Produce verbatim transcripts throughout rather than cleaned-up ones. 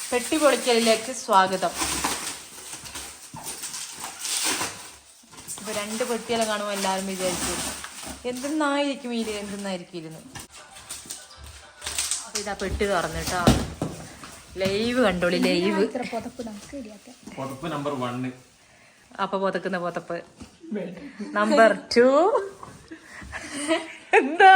പെട്ടി പൊളിക്കലിലേക്ക് സ്വാഗതം. ഇപ്പൊ രണ്ട് പെട്ടിയെല്ലാം കാണുമ്പോൾ എല്ലാവരും വിചാരിച്ചു എന്തെന്നായിരിക്കും ഇത്, എന്തെന്നായിരിക്കും ഇരുന്ന്. അപ്പൊ ഇതാ പെട്ടി തുറന്നിട്ടോ, ലൈവ് കണ്ടോളി, ലൈവ്. Number one. അപ്പൊ പുതക്കുന്ന പുതപ്പ് നമ്പർ ടു. എന്താ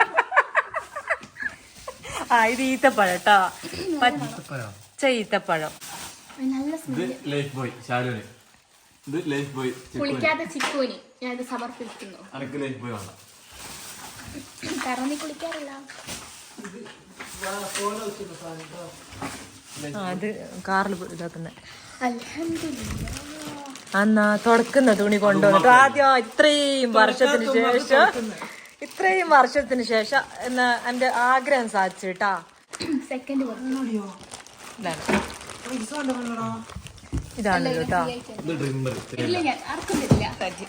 ആ ഇത് ഈത്തപ്പഴം കേട്ടോ, പച്ച ഈത്തപ്പഴം. ലൈഫ് ബോയ് ശാലുവിന്, ഇത് ലൈഫ് ബോയ് കുളിക്കാത്ത ചിക്കുവിന് ഞാൻ ഇത് സമർപ്പിക്കുന്നു. അനക്ക് ലൈഫ് ബോയ് വേണ്ട, കാരണം നീ കുളിക്കാറില്ല. അത് കാറിൽ ഇതാക്കുന്ന അൽഹംദുലില്ലാ. അന്നാ തുടക്കുന്ന തുണി കൊണ്ടുവന്നിട്ട് ആദ്യം ഇത്രയും വർഷത്തിന് ശേഷം ഇത്രയും വർഷത്തിന് ശേഷം എന്നാ എന്റെ ആഗ്രഹം സാധിച്ചു കേട്ടാ. സെക്കൻഡ് ഇതാണ് കേട്ടോ. ഇല്ല ഞാൻ ആർക്കും തരില്ല.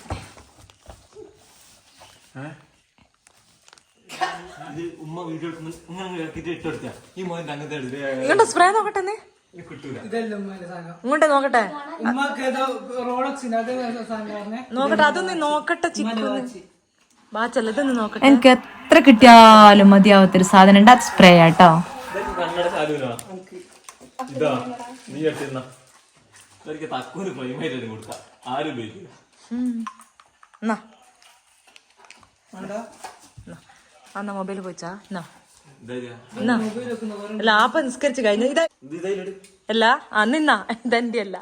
ഉമ്മ വീഡിയോ ഇട്ടെടുത്ത ഈ മോൻ അങ്ങനത്തെ ഇങ്ങോട്ട് സ്പ്രേ നോക്കട്ടെ, ഇങ്ങോട്ടെ നോക്കട്ടെ നോക്കട്ടെ, അതൊന്ന് നോക്കട്ടെ. വാച്ചല്ല, ഇതൊന്ന് നോക്കട്ടെ. എനിക്ക് എത്ര കിട്ടിയാലും മതിയാവത്തൊരു സാധനം ഉണ്ട്, അത് സ്പ്രേ ആട്ടോ. കണ്ണട ശാലുവിനോ ഇതാ നീ എടുത്തിരുന്ന തക്കൂന് പ്രൈമായിട്ട് കൊടുക്ക, ആരും ഉപയോഗിക്കില്ല. എന്നാ മൊബൈൽ പോയിച്ചാ അല്ല ആപ്പ നിസ്കരിച്ച് കഴിഞ്ഞ ഇതാ അല്ല അന്നിന്നാ ഇതെന്റെ അല്ല.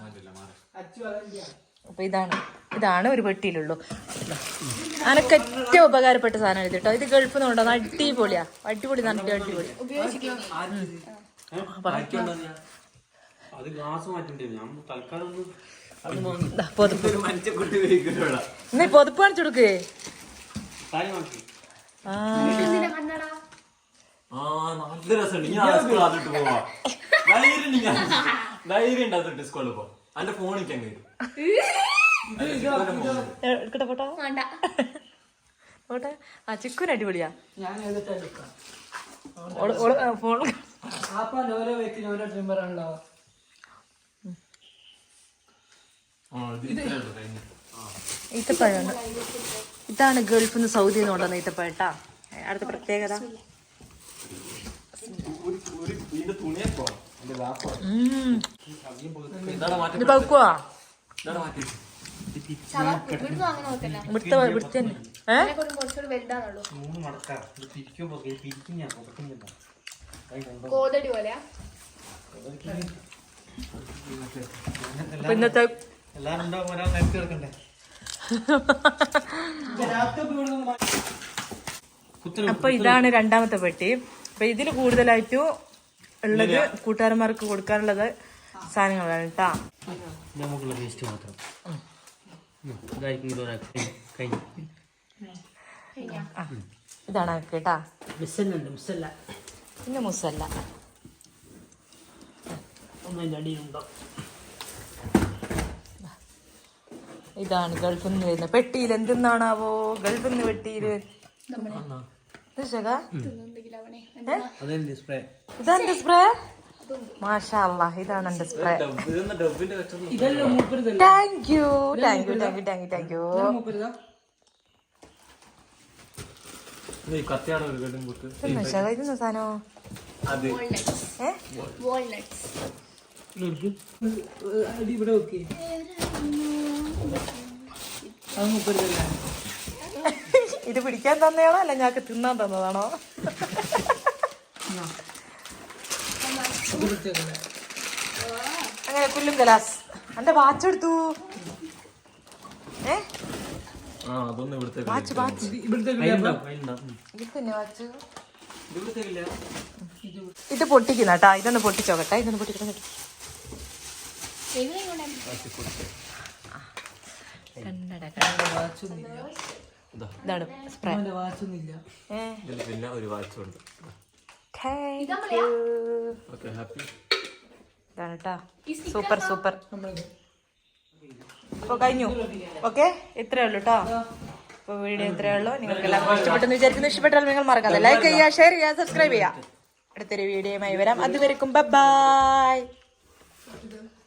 അപ്പൊ ഇതാണ് ഇതാണ് ഒരു പെട്ടിയിലുള്ളൂ. അനക്ക് ഏറ്റവും ഉപകാരപ്പെട്ട സാധനം ഇത് കേട്ടോ. ഇത് ഗൾഫിൽ നിന്ന് കൊണ്ടുവന്ന അടിപൊളിയാ, അടിപൊളി നല്ല അടിപൊളി. നീ പൊതുപ്പ് കാണിച്ചു കൊടുക്കേ. നല്ല രസമുണ്ട്. ഞാൻ സ്കൂൾ അതിട്ട് പോവാ, ധൈര്യം ധൈര്യം ഉണ്ട് അതിട്ട് സ്കൂളിൽ പോ. എന്റെ ഫോണിക്ക് അങ്ങ് എടുക്കട്ടെ ഫോട്ടോ ഫോട്ടോ. ആ ചിക്കുന് അടിപൊളിയാ. ഫോൺ ഈത്തപ്പഴം ഇതാണ് ഗൾഫിൽ നിന്ന് സൗദിയിൽ നിന്ന് കൊണ്ടുവന്ന ഈത്തപ്പഴം ട്ടാ. അടുത്ത പ്രത്യേകത ഇത് പഴുക്കുവാ. കോതടി പോലെയാ. ഇന്നത്തെ അപ്പൊ ഇതാണ് രണ്ടാമത്തെ പെട്ടി. അപ്പൊ ഇതില് കൂടുതലായിട്ടും ഉള്ളത് കൂട്ടുകാരന്മാർക്ക് കൊടുക്കാനുള്ളത് സാധനങ്ങളാണ് കേട്ടാ. ഇതാണ് കേട്ടാ, പിന്നെ മുസല്ല. ഇതാണ് ഗൾഫിൽ നിന്ന് വരുന്ന പെട്ടിയിൽ. എന്തെന്നാണാവോ ഗൾഫിൽ നിന്ന് പെട്ടിയില് ഇതെന്റെ സ്പ്രേ. മാഷാ അല്ലാഹ്, ഇതാണ് എന്റെ spray. Thank you thank you thank you thank you thank you. ഇതെന്ന സാധനോ? ഇത് പിടിക്കാൻ തന്നെയാണോ അല്ല ഞങ്ങൾക്ക് തിന്നാൻ തന്നതാണോ? അങ്ങനെ പുല്ലും കലാസ്. എന്റെ വാച്ച് എടുത്തു. ഏ വാച്ച് വാച്ച് ഇത് പൊട്ടിക്കുന്ന കേട്ടാ. ഇതൊന്ന് പൊട്ടിച്ചോക്കട്ടെ, ഇതൊന്ന് പൊട്ടിക്കണം. ഇതാണ് സ്പ്രേ. ഇതാണ് കേട്ടാ. Super super. അപ്പൊ കഴിഞ്ഞു. ഓക്കെ, ഇത്രയേ ഉള്ളൂ കേട്ടോ. അപ്പൊ വീഡിയോ ഇത്രയേ ഉള്ളൂ. നിങ്ങൾക്ക് എല്ലാവർക്കും ഇഷ്ടപ്പെട്ടെന്ന് വിചാരിക്കുന്നു. ഇഷ്ടപ്പെട്ടാൽ നിങ്ങൾ മറക്കാതെ ലൈക്ക് ചെയ്യുക, ഷെയർ ചെയ്യുക, സബ്സ്ക്രൈബ് ചെയ്യുക. അടുത്തൊരു വീഡിയോയുമായി വരാം. അതുവരെക്കും ബൈ.